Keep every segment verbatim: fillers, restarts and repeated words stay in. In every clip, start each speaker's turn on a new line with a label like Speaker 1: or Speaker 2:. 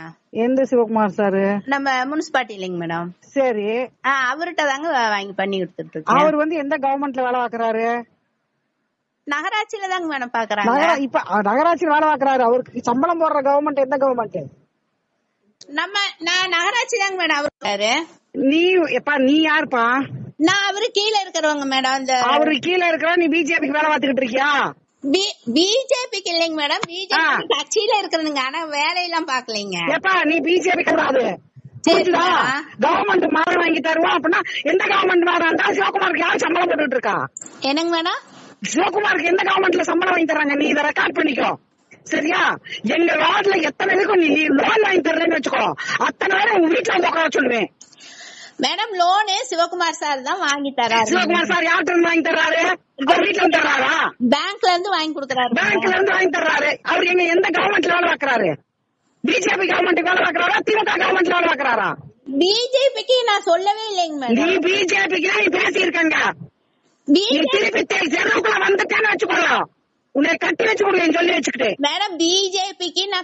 Speaker 1: எந்த சிவகுமார் சாரு?
Speaker 2: நம்ம முனிசிபாலிட்டி இல்லைங்க மேடம்.
Speaker 1: சரி,
Speaker 2: அவர்கிட்ட தாங்க வாங்கி பண்ணி கொடுத்துட்டு இருக்கேன்.
Speaker 1: அவர் வந்து எந்த கவர்மெண்ட்ல வேலை பாக்குறாரு?
Speaker 2: நகராட்சியில தாங்க மேடம் பாக்குறாங்க.
Speaker 1: இப்ப நகராட்சியில வேலை பாக்குறாரு. அவருக்கு சம்பளம் போடுற கவர்மெண்ட் எந்த கவர்மெண்ட்?
Speaker 2: நம்ம நான் நகராட்சி தாங்க மேடம் அவரு.
Speaker 1: நீ எப்பா நீ யாருப்பா?
Speaker 2: நான் அவரு கீழே இருக்கிறவங்க மேடம். இந்த
Speaker 1: அவரு கீழே இருக்கிற நீ பிஜேபிக்கு வேலை பார்த்துக்கிட்டு இருக்கியா?
Speaker 2: பிஜேபிக்கு இல்லைங்க மேடம், பிஜேபி கட்சியில இருக்கிறதுங்க. ஆனா வேலையெல்லாம் பாக்கலைங்க. எப்பா
Speaker 1: நீ பிஜேபி கிடையாது. கவர்மெண்ட் மாறு வாங்கி தருவோம் அப்படின்னா எந்த கவர்மெண்ட் மாறாண்டா? சிவகுமாருக்கு யார் சம்பளம் போட்டுட்டு இருக்கா?
Speaker 2: என்னங்க மேடம்?
Speaker 1: சிவகுமாருக்கு எந்த கவர்மெண்ட்ல சம்பளம் வாங்கி தராங்க? நீ இதை ரெக்கார்ட் பண்ணிக்கோ சரியா? எங்க வார்டுல எத்தனை பேருக்கும் நீ லோன் வாங்கி தர்றேன்னு வச்சுக்கோ, அத்தனை பேரும் உங்க வீட்டுல வந்து உட்கார சொல்லுவேன்.
Speaker 2: மேடம் லோனு சிவகுமார் சார் தான் வாங்கி தராரு.
Speaker 1: சிவகுமார் சார் யார்கிட்ட இருந்து வாங்கி தர்றாரு? வீட்டுல இருந்து தர்றாரா?
Speaker 2: பேங்க்ல இருந்து வாங்கி கொடுக்கறாரு.
Speaker 1: பேங்க்ல இருந்து வாங்கி தர்றாரு. அவர் எங்க எந்த கவர்மெண்ட்ல வேலை பாக்குறாரு? பிஜேபி கவர்மெண்ட் வேலை பாக்குறாரா? திமுக கவர்மெண்ட்ல வேலை பாக்குறாரா?
Speaker 2: பிஜேபிக்கு நான் சொல்லவே இல்லைங்க மேடம்.
Speaker 1: நீ பிஜேபிக்கு நீ பேசி இருக்காங்க. திருப்பி தெருவுக்குள்ள வந்துட்டேன்னு வச்சுக்கோங்க, உன்னை கட்டி வச்சு கொடுங்க சொல்லி வச்சுக்கிட்டு.
Speaker 2: மேடம் பிஜேபிக்கு நான்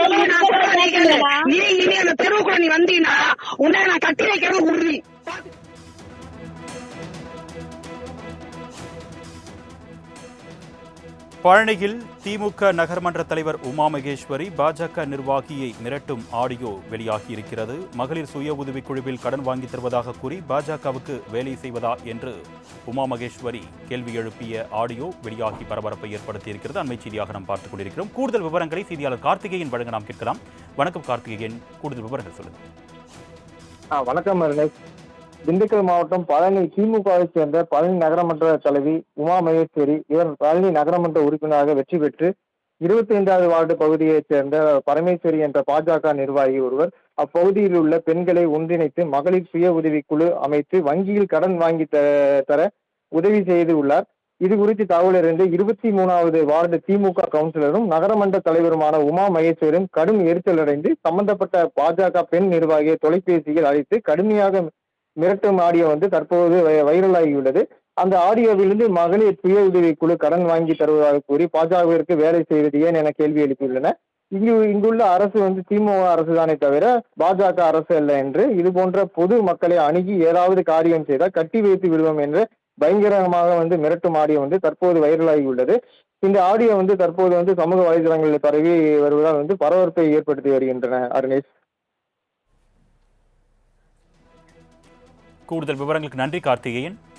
Speaker 1: நீ இனி அந்த தெருவுக்குள்ள நீ வந்தீங்கன்னா உன்னை நான் கட்டி வைக்கிறது உறுதி.
Speaker 3: பழனியில் திமுக நகர்மன்ற தலைவர் உமா மகேஸ்வரி பாஜக நிர்வாகியை மிரட்டும் ஆடியோ வெளியாகி இருக்கிறது. மகளிர் சுய உதவிக் குழுவில் கடன் வாங்கி தருவதாக கூறி பாஜகவுக்கு வேலை செய்வதா என்று உமா மகேஸ்வரி கேள்வி எழுப்பிய ஆடியோ வெளியாகி பரபரப்பை ஏற்படுத்தியிருக்கிறது. அண்மை செய்தியாக நாம் பார்த்துக் கொண்டிருக்கிறோம். கூடுதல் விவரங்களை செய்தியாளர் கார்த்திகேயன் வழங்க நாம் கேட்கலாம். வணக்கம் கார்த்திகேயன், கூடுதல் விவரங்கள் சொல்லுங்கள்.
Speaker 4: வணக்கம். திண்டுக்கல் மாவட்டம் பழனி திமுகவை சேர்ந்த பழனி நகரமன்ற தலைவி உமா மகேஸ்வரி இவர் பழனி நகரமன்ற உறுப்பினராக வெற்றி பெற்று இருபத்தி ஐந்தாவது வார்டு பகுதியைச் சேர்ந்த பரமேஸ்வரி என்ற பாஜக நிர்வாகி ஒருவர் அப்பகுதியில் உள்ள பெண்களை ஒன்றிணைத்து மகளிர் சுய உதவி குழு அமைத்து வங்கியில் கடன் வாங்கி தர உதவி செய்து உள்ளார். இது குறித்து தகவல் அறிந்து இருபத்தி மூணாவது வார்டு திமுக கவுன்சிலரும் நகரமன்ற தலைவருமான உமா மகேஸ்வரியும் கடும் எரிச்சல் அடைந்து சம்பந்தப்பட்ட பாஜக பெண் நிர்வாகியை தொலைபேசியில் அழைத்து கடுமையாக மிரட்டும் ஆடியோ வந்து தற்போது வைரலாகியுள்ளது. அந்த ஆடியோவிலிருந்து மகளிர் சுய உதவி குழு கடன் வாங்கி தருவதாக கூறி பாஜகவிற்கு வேலை செய்வது ஏன் என கேள்வி எழுப்பியுள்ளன. இங்கு இங்குள்ள அரசு வந்து திமுக அரசு தானே தவிர பாஜக அரசு அல்ல என்று இது போன்ற பொது மக்களை அணுகி ஏதாவது காரியம் செய்தால் கட்டி வைத்து விடுவோம் என்று பயங்கரமாக வந்து மிரட்டும் ஆடியோ வந்து தற்போது வைரலாகியுள்ளது. இந்த ஆடியோ வந்து தற்போது வந்து சமூக வலைதளங்களில் பரவி வருவதால் வந்து பரபரப்பை ஏற்படுத்தி வருகின்றன. அருணேஷ்,
Speaker 3: கூடுதல் விவரங்களுக்கு நன்றி கார்த்திகேயன்.